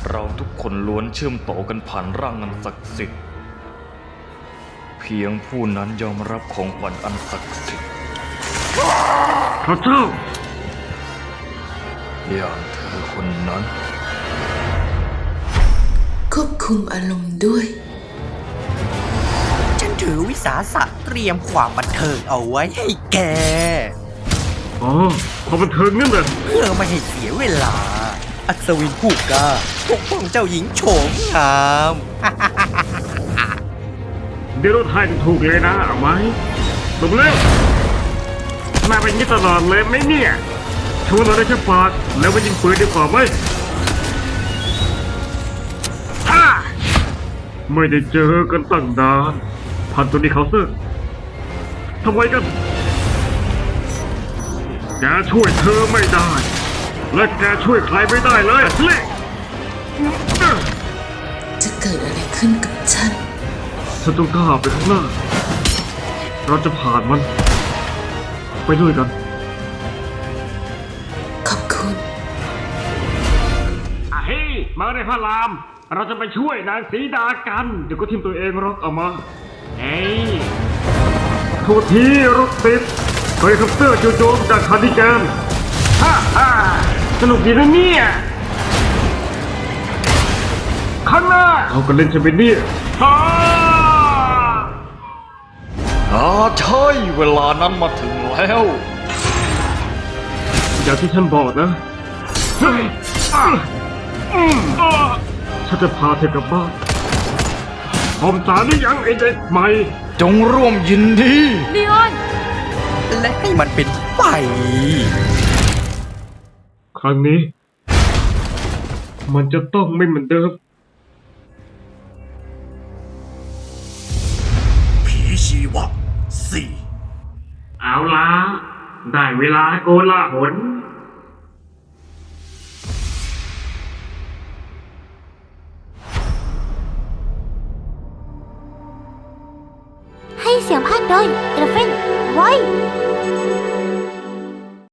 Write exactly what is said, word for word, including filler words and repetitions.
เราทุกคนล้วนเชื่อมต่อกันผ่านร่างอันศักดิ์สิทธิ์เพียงผู้นั้นยอมรับของขวัญอันศักดิ์สิทธิ์พระเจ้าอย่างเธอคนนั้นควบคุมอารมณ์ด้วยฉันถือวิสาสะเตรียมความบันเทิงเอาไว้ให้แกอ๋อความบันเทิงนั่นแหละเพื่อไม่ให้เสียเวลา อัศวินผู้กล้าปกป้องเจ้าหญิงโฉมงามเดี๋ยวเราทายถูกเลยนะเอาไหมลงเร็วมาเป็นนี้ตลอดเลยไหมเนี่ยชวนเราได้แค่ปากแล้วมายิงปืนดีกว่าไหมฮ่าไม่ได้เจอกันตั้งนานพันตัวนี้เขาเซอร์ทำไมกันแกช่วยเธอไม่ได้ และแกช่วยใครไม่ได้เลยเละจะเกิดอะไรขึ้นกับฉันฉันต้องก้าวไปข้างหน้าเราจะผ่านมันไปด้วยกันขอบคุณอ่ะเฮ้ยมาในพระรามเราจะไปช่วยนางสีดากันเดี๋ยวก็ทิมตัวเองรอกเอามาเฮ้ยโทษทีรถติดเฮลิคอปเตอร์จู่โจมจากคาร์ดิแกนฮ่าฮ่าสนุกดีนะเนี่ยข้างหน้าเอากันเล่นใช่ไหมเนี่ยฮ่าอ่าใช่เวลานั้นมาถึงแล้วอย่างที่ฉันบอกนะเฮ้ยอ่ะอืมอ่ะฉันจะพาเธอกลับบ้านพร้อมสารหรือยังไอเด็กใหม่จงร่วมยินดีลีออนและให้มันเป็นไปครั้งนี้ มันจะต้องไม่เหมือนเดิมผีชีวะสี่เอาละได้เวลาโกลาหลให้เสียงภาคโดยเอลเฟนไว้